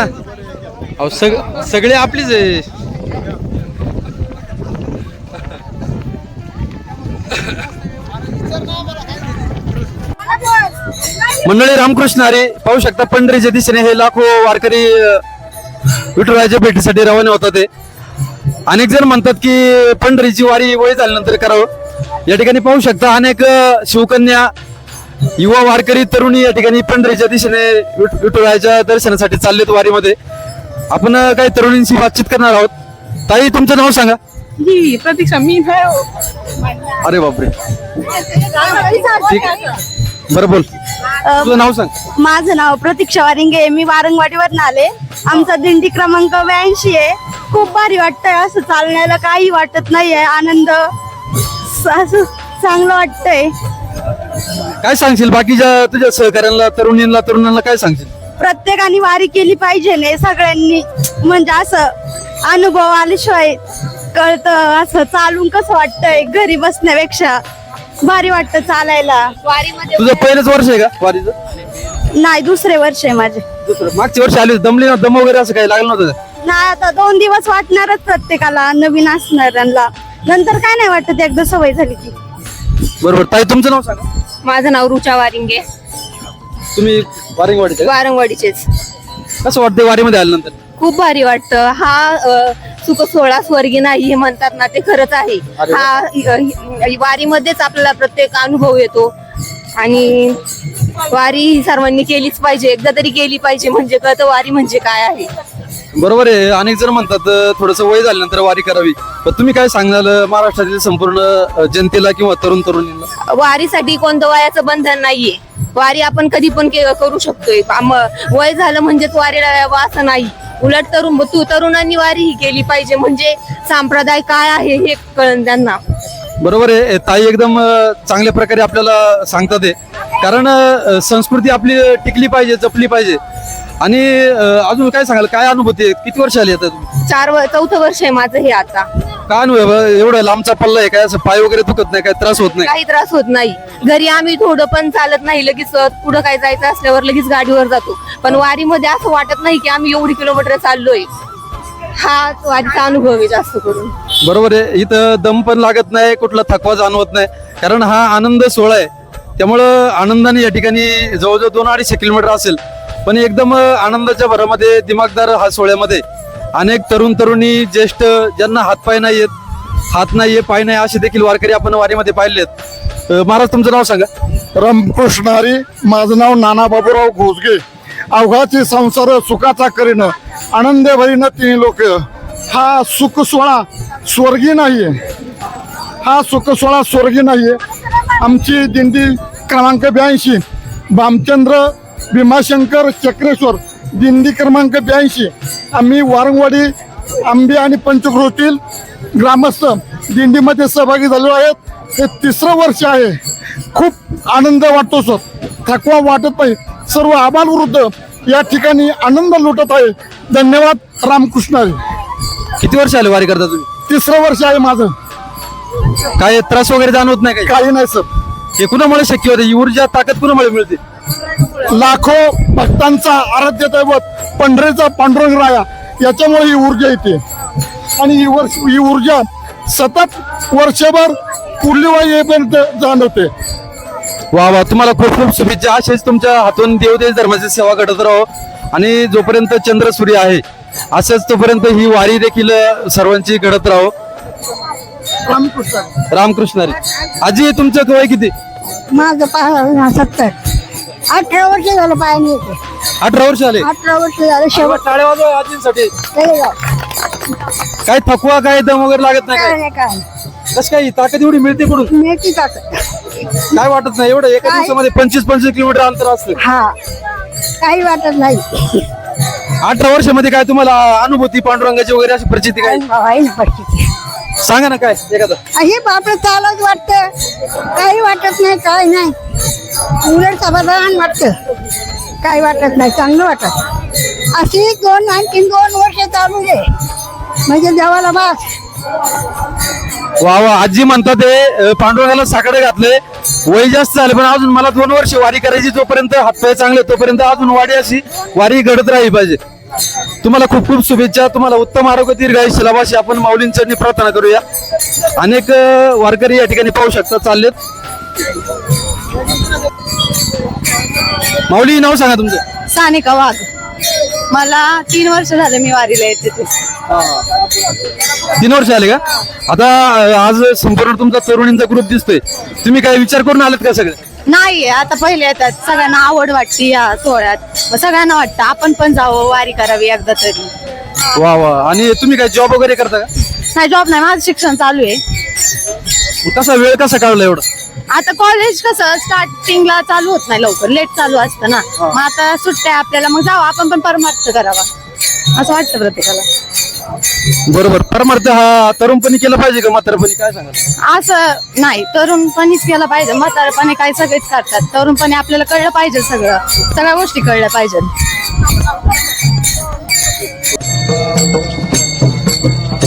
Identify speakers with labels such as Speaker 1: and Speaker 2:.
Speaker 1: अहो सगळे आपलीच आहे. मंडळी रामकृष्ण हरी, पाहू शकता पंढरीच्या दिशेने हे लाखो वारकरी विठुरायाच्या भेटीसाठी रवाना होतात. ते अनेक जण म्हणतात की पंढरीची वारी वय झाल्यानंतर करावं. या ठिकाणी पाहू शकता अनेक शिवकन्या, युवा वारकरी, तरुणी या ठिकाणी पंढरीच्या दिशेने विठुरायाच्या दर्शनासाठी चाललेत वारीमध्ये. आपण काही तरुणींशी बातचीत करणार आहोत. ताई, तुमचं नाव सांगा.
Speaker 2: जी प्रतीक्षा. मी
Speaker 1: अरे बापरे, ठीक, बरं बोल, तुझं नाव सांग.
Speaker 3: माझं नाव प्रतीक्षा वारिंगे. मी वारंगवाडीवरून आले. आमचा दिंडी क्रमांक 82 आहे. खूप भारी वाटतंय, असं चालण्याला काही वाटत नाहीये. आनंद, असं चांगलं वाटतंय.
Speaker 1: काय सांगशील बाकीच्या तुझ्या सहकार्यांना, तरुणांना काय सांगशील?
Speaker 3: प्रत्येकाने वारी केली पाहिजे ने सगळ्यांनी. म्हणजे असं अनुभव आल्याशिवाय कळतं असं चालून कसं वाटतंय. घरी बसण्यापेक्षा भारी वाटतं चालायला. वारीमध्ये
Speaker 1: तुझं पहिलंच वर्ष आहे का वारीचं?
Speaker 3: नाही, दुसरे वर्ष आहे माझे.
Speaker 1: दुसरं. मागच्या वर्षी आली दमली ना, दम वगैरे असं काही लागलं नव्हतं का?
Speaker 3: नाही, आता 2 दिवस वाटणारच प्रत्येकाला, नवीन असणाऱ्यांना. नंतर काय नाही वाटत एकदा सवय झाली की.
Speaker 1: बरोबर. ताई, तुमचं नाव सांगा.
Speaker 2: माझं नाव रुचा वारिंगे.
Speaker 1: तुम्ही वारंगवाडीचे का?
Speaker 2: वारंगवाडीचेच.
Speaker 1: कसं वाटतं वारीमध्ये आल्यानंतर?
Speaker 2: खूप भारी वाटतं. हा सुख सोहळा स्वर्गी नाही हे म्हणतात ना, ते खरंच आहे.
Speaker 1: अरे वा.
Speaker 2: हा वारीमध्येच आपल्याला प्रत्येक अनुभव येतो. आणि वारी ही सर्वांनी केलीच पाहिजे, एकदा तरी केली पाहिजे, म्हणजे कळतं वारी म्हणजे काय आहे.
Speaker 1: बरोबर आहे. अनेक जण म्हणतात थोडंसं वय झाल्यानंतर वारी करावी, पण तुम्ही काय सांगाल महाराष्ट्रातील संपूर्ण जनतेला किंवा तरुणींना?
Speaker 2: वारीसाठी कोणतं वयाचं बंधन नाहीये. वारी आपण कधी पण करू शकतोय. वय झालं म्हणजेच वारीला यावं असं नाही. उलट तरुणांनी वारी ही केली पाहिजे, म्हणजे संप्रदाय काय आहे हे कळन त्यांना.
Speaker 1: बरोबर आहे. ताई एकदम चांगल्या प्रकारे आपल्याला सांगतात ते, कारण संस्कृती आपली टिकली पाहिजे, जपली पाहिजे. आणि अजून काय सांगाल, काय अनुभूती आहे? किती वर्ष आली आता तुम्ही?
Speaker 2: 4th वर्ष आहे माझं हे आता.
Speaker 1: काय अनुभव? एवढा लांबचा पल्ला आहे, काय असं पाय वगैरे दुखत नाही, काय त्रास होत नाही?
Speaker 2: काही त्रास होत नाही. घरी आम्ही थोडं पण चालत नाही, लगेच पुढं काय जायचं असल्यावर लगेच गाडीवर जातो. पण वारीमध्ये असं वाटत नाही की आम्ही एवढी किलोमीटर चाललोय. हा वारीचा अनुभव आहे जास्त करून.
Speaker 1: बरोबर आहे. इथं दम पण लागत नाही, कुठला थकवा जाणवत नाही, कारण हा आनंद सोहळा आहे. त्यामुळं आनंदाने या ठिकाणी जवळजवळ 2-250 किलोमीटर असेल, पण एकदम आनंदाच्या भरामध्ये, दिमागदार हा सोहळ्यामध्ये अनेक तरुणी, ज्येष्ठ, ज्यांना हातपाय नाहीयेत, हात नाहीये, पाय नाही, असे देखील वारकरी आपण वारीमध्ये पाहिलेत. महाराज, तुमचं नाव सांगा.
Speaker 4: रामकृष्ण हरी. माझं नाव नाना बाबूराव घोसगे. अवघाची संसार सुखाचा करीन, आनंद भरीन तिन्ही लोक. हा सुख सोहळा स्वर्गी नाहीये. हा सुख सोहळा स्वर्गी नाहीये. आमची दिंडी क्रमांक 82 भामचंद्र भीमाशंकर चक्रेश्वर दिंडी क्रमांक 82. आम्ही वारंगवाडी, आंबे आणि पंचक्रोशीतील ग्रामस्थ दिंडीमध्ये सहभागी झालेलो आहेत. हे 3रं वर्ष आहे. खूप आनंद वाटतो सर, थकवा वाटत नाही. सर्व आबालवृद्ध या ठिकाणी आनंद लुटत आहे. धन्यवाद. रामकृष्ण हरी.
Speaker 1: किती वर्ष आले वारी करता तुम्ही?
Speaker 4: 3रं वर्ष आहे माझं.
Speaker 1: काय त्रास वगैरे जाणवत नाही?
Speaker 4: काही नाही सर.
Speaker 1: हे कुणामुळे शक्य होते? ही ऊर्जा, ताकद कुणामुळे मिळते?
Speaker 4: लाखो भक्तांचा आराध्य दैवत पंढरीचा पांडुरंग राया, याच्यामुळे ही ऊर्जा येते. आणि ही ऊर्जा सतत वर्षभर पूर्णिमा येईपर्यंत जाणवते.
Speaker 1: वा वा, तुम्हाला खूप खूप शुभेच्छा. असेच तुमच्या हातून देवदेश धर्माची सेवा घडत राहो, आणि जोपर्यंत चंद्र सूर्य आहे असंच तोपर्यंत ही वारी देखील सर्वांची घडत राहो. रामकृष्ण हरी. आजी, तुमचं वय किती?
Speaker 3: माझं 70. 18 वर्ष झालं पायाने येते.
Speaker 1: 18 वर्ष आले.
Speaker 3: 18 वर्ष झालं. शेवट
Speaker 1: टाळ्या वाजवा आजींसाठी. काय थकवा, काय दम वगैरे लागत नाही? काय
Speaker 3: काय
Speaker 1: कसं काय ताकद एवढी मिळते कुठून?
Speaker 3: मिळते ताकद.
Speaker 1: काय वाटत नाही? एवढं एका दिवसामध्ये 25 किलोमीटर अंतर असतं.
Speaker 3: हा, काही वाटत नाही.
Speaker 1: 18 वर्षामध्ये काय तुम्हाला अनुभूती, पांडुरंगाची वगैरे अशी प्रचिती काय
Speaker 3: आहे ना परिस्थिती.
Speaker 1: सांगा ना काय एखादं.
Speaker 3: हे बापरे, चालत वाटतं, काही वाटत नाही, काय नाही. उलट समाधान वाटतं, काही वाटत नाही, चांगलं वाटत. अशी 2 वर्ष चालू दे, म्हणजे देवाला बास.
Speaker 1: वा वा, आजी म्हणतात ते पांडुरंगाला साकडे घातले, वय जास्त झाले पण अजून मला 2 वर्ष वारी करायची. जोपर्यंत हातपाय चांगले तोपर्यंत अजून वारी अशी वारी घडत राहिली पाहिजे. तुम्हाला खूप खूप शुभेच्छा. तुम्हाला उत्तम आरोग्य दीर्घायुष्य लाभो अशी आपण माऊलींचरणी प्रार्थना करूया. अनेक वारकरी या ठिकाणी पाहू शकता चाललेत. माऊली, नाव सांगा तुमचं.
Speaker 2: सानिका वाघ. मला 3 वर्ष झाले मी वारीला येते ते.
Speaker 1: 3 वर्ष आले का? आता आज संपूर्ण तुमचा तरुणींचा ग्रुप दिसतोय. तुम्ही काय विचार करून आलात का सगळे?
Speaker 2: नाही, आता पहिले येतात. सगळ्यांना आवड वाटते या सोहळ्यात. मग सगळ्यांना वाटतं आपण पण जावं, वारी करावी एकदा तरी.
Speaker 1: वा वा. आणि तुम्ही काय जॉब वगैरे करता का?
Speaker 2: नाही, जॉब नाही, माझं शिक्षण चालू आहे.
Speaker 1: कसा वेळ कसा काढला एवढा?
Speaker 2: आता कॉलेज कसं स्टार्टिंगला चालू होत नाही, लवकर लेट चालू असतं ना. मग आता सुट्ट्या आपल्याला, मग जावं आपण पण परमार्थ करावा असं वाटतं प्रत्येकाला.
Speaker 1: बरोबर. परमार्थ हा तरुणपणी केला पाहिजे का म्हातारपणी, काय सांगा?
Speaker 2: असं नाही, तरुणपणीच केलं पाहिजे. म्हातारपणे काय सगळेच करतात. तरुणपणे आपल्याला कळलं पाहिजे, सगळ्या गोष्टी कळल्या पाहिजे.